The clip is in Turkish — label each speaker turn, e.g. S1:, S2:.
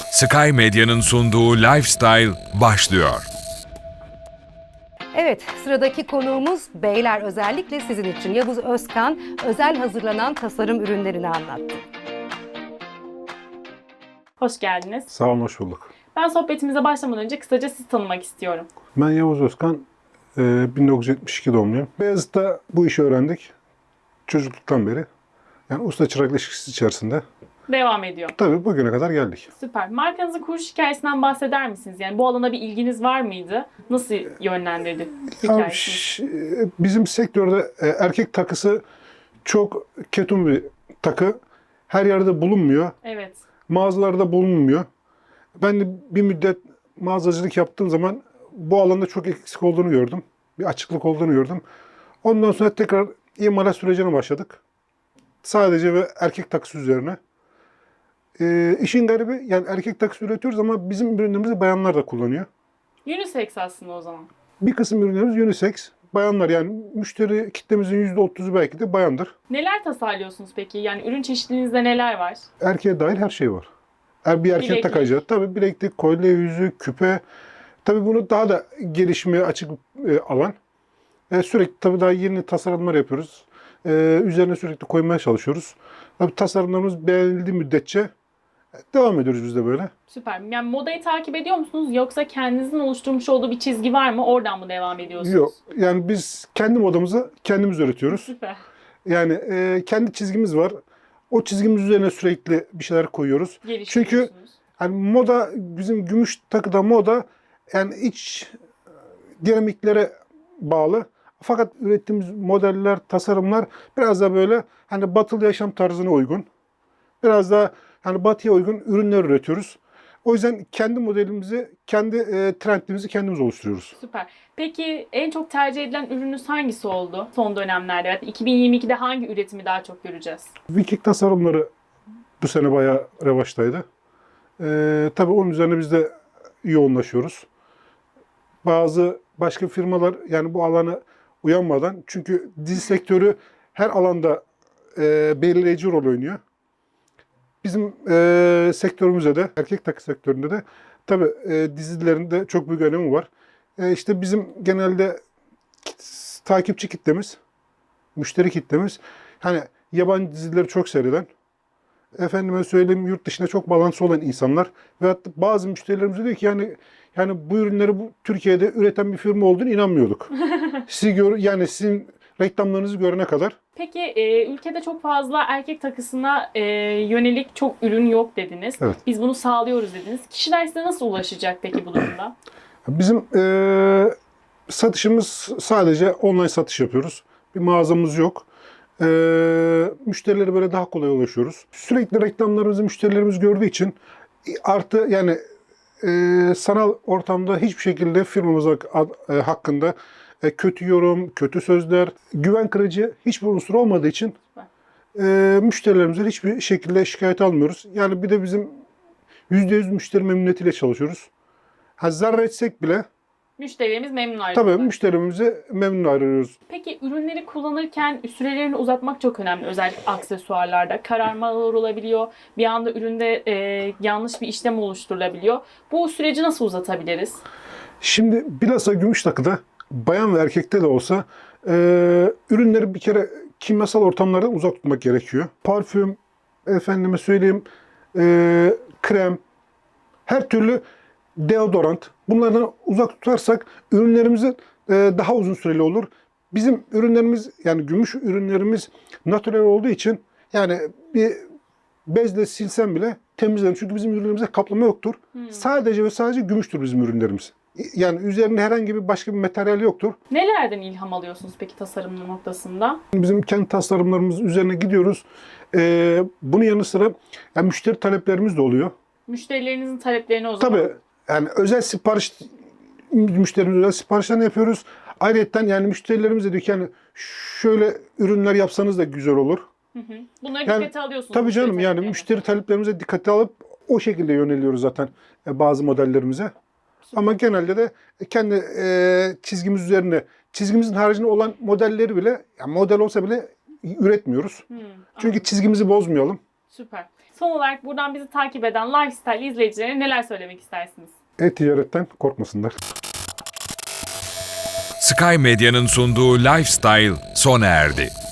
S1: Sky Medya'nın sunduğu Lifestyle başlıyor.
S2: Evet, sıradaki konuğumuz beyler, özellikle sizin için Yavuz Özkan özel hazırlanan tasarım ürünlerini anlattı.
S3: Hoş geldiniz.
S4: Sağ olun, hoş bulduk.
S3: Ben sohbetimize başlamadan önce kısaca sizi tanımak istiyorum.
S4: Ben Yavuz Özkan, 1972 doğumluyum. Beyazıt'ta bu işi öğrendik çocukluktan beri. Yani usta çırak ilişkisi içerisinde.
S3: Devam ediyor.
S4: Tabii bugüne kadar geldik.
S3: Süper. Markanızın kuruluş hikayesinden bahseder misiniz? Yani bu alana bir ilginiz var mıydı? Nasıl yönlendirdi
S4: Ya,
S3: hikayesini?
S4: bizim sektörde erkek takısı çok ketum bir takı. Her yerde bulunmuyor.
S3: Evet.
S4: Mağazalarda bulunmuyor. Ben de bir müddet mağazacılık yaptığım zaman bu alanda çok eksik olduğunu gördüm. Bir açıklık olduğunu gördüm. Ondan sonra tekrar imalat sürecine başladık. Sadece ve erkek takısı üzerine. İşin garibi, yani erkek takısı üretiyoruz ama bizim ürünlerimizi bayanlar da kullanıyor.
S3: Unisex aslında o zaman.
S4: Bir kısım ürünlerimiz unisex. Bayanlar, yani müşteri kitlemizin %30'u belki de bayandır.
S3: Neler tasarlıyorsunuz peki? Yani ürün çeşitliliğinizde neler var?
S4: Erkeğe dahil her şey var. Bir erkek
S3: Bileklik.
S4: takacağı. Tabii bileklik, kolye, yüzük, küpe. Tabii bunu daha da gelişmeye açık alan. Sürekli tabii daha yeni tasarımlar yapıyoruz. Üzerine sürekli koymaya çalışıyoruz. Tabii tasarımlarımız beğenildiği müddetçe devam ediyoruz biz de böyle.
S3: Süper. Yani modayı takip ediyor musunuz? Yoksa kendinizin oluşturmuş olduğu bir çizgi var mı? Oradan mı devam ediyorsunuz?
S4: Yok. Yani biz kendi modamızı kendimiz üretiyoruz.
S3: Süper.
S4: Yani kendi çizgimiz var. O çizgimiz üzerine sürekli bir şeyler koyuyoruz. Çünkü
S3: Geliştiriyorsunuz.
S4: hani moda, bizim gümüş takıda moda yani iç dinamiklere bağlı. Fakat ürettiğimiz modeller, tasarımlar biraz da böyle hani batılı yaşam tarzına uygun. Biraz daha hani batıya uygun ürünler üretiyoruz. O yüzden kendi modelimizi, kendi trendimizi kendimiz oluşturuyoruz.
S3: Süper. Peki en çok tercih edilen ürününüz hangisi oldu son dönemlerde? Yani 2022'de hangi üretimi daha çok göreceğiz?
S4: Viking tasarımları bu sene bayağı revaçtaydı. Tabii onun üzerine biz de yoğunlaşıyoruz. Bazı başka firmalar yani bu alana uyanmadan, çünkü dizi sektörü her alanda belirleyici rol oynuyor. Bizim sektörümüzde de, erkek takı sektöründe de tabii dizilerin de çok büyük önemi var. İşte bizim genelde takipçi kitlemiz, müşteri kitlemiz, hani yabancı dizileri çok seyreden, efendime söyleyeyim yurt dışında çok bağlantısı olan insanlar ve hatta bazı müşterilerimiz diyor ki yani bu ürünleri Türkiye'de üreten bir firma olduğunu inanmıyorduk. Yani sizin reklamlarınızı görene kadar.
S3: Peki ülkede çok fazla erkek takısına yönelik çok ürün yok dediniz.
S4: Evet.
S3: Biz bunu sağlıyoruz dediniz. Kişiler size nasıl ulaşacak peki bu durumda?
S4: Bizim satışımız sadece online satış yapıyoruz. Bir mağazamız yok. Müşterilere böyle daha kolay ulaşıyoruz. Sürekli reklamlarımızı müşterilerimiz gördüğü için artı yani sanal ortamda hiçbir şekilde firmamız hakkında kötü yorum, kötü sözler, güven kırıcı hiçbir unsur olmadığı için müşterilerimizden hiçbir şekilde şikayet almıyoruz. Yani bir de bizim %100 müşteri memnuniyetiyle çalışıyoruz. Zarar etsek bile
S3: Müşterilerimiz memnun ayrılıyor.
S4: tabii müşterimizi memnun ayrılıyoruz.
S3: Peki ürünleri kullanırken sürelerini uzatmak çok önemli. Özellikle aksesuarlarda kararmalar olabiliyor. Bir anda üründe yanlış bir işlem oluşturulabiliyor. Bu süreci nasıl uzatabiliriz?
S4: Şimdi bilhassa gümüş takıda bayan ve erkekte de olsa ürünleri bir kere kimyasal ortamlardan uzak tutmak gerekiyor. Parfüm, efendime söyleyeyim, krem, her türlü deodorant, bunlardan uzak tutarsak ürünlerimiz daha uzun süreli olur. Bizim ürünlerimiz, yani gümüş ürünlerimiz natürel olduğu için yani bir bezle silsem bile temizlenir. Çünkü bizim ürünlerimizde kaplama yoktur. Sadece ve sadece gümüştür bizim ürünlerimiz. Yani üzerinde herhangi bir başka bir materyal yoktur.
S3: Nelerden ilham alıyorsunuz peki tasarım noktasında?
S4: Bizim kendi tasarımlarımız üzerine gidiyoruz. Bunun yanı sıra yani müşteri taleplerimiz de oluyor.
S3: Müşterilerinizin taleplerini o zaman.
S4: Tabii yani özel sipariş, müşterimize özel siparişlerini yapıyoruz. Ayrıca yani müşterilerimiz de diyor ki yani şöyle ürünler yapsanız da güzel olur.
S3: Bunları
S4: Yani,
S3: dikkate alıyorsunuz.
S4: tabii
S3: müşteri
S4: canım, yani
S3: taleplerini.
S4: müşteri taleplerimize dikkate alıp o şekilde yöneliyoruz zaten bazı modellerimize. Ama genelde de kendi çizgimiz üzerine, çizgimizin haricinde olan modelleri bile, yani model olsa bile üretmiyoruz. Çünkü
S3: Anladım.
S4: çizgimizi bozmayalım.
S3: Süper. Son olarak buradan bizi takip eden Lifestyle izleyicilerine neler söylemek istersiniz?
S4: E-ticaretten korkmasınlar.
S1: Sky Medya'nın sunduğu Lifestyle sona erdi.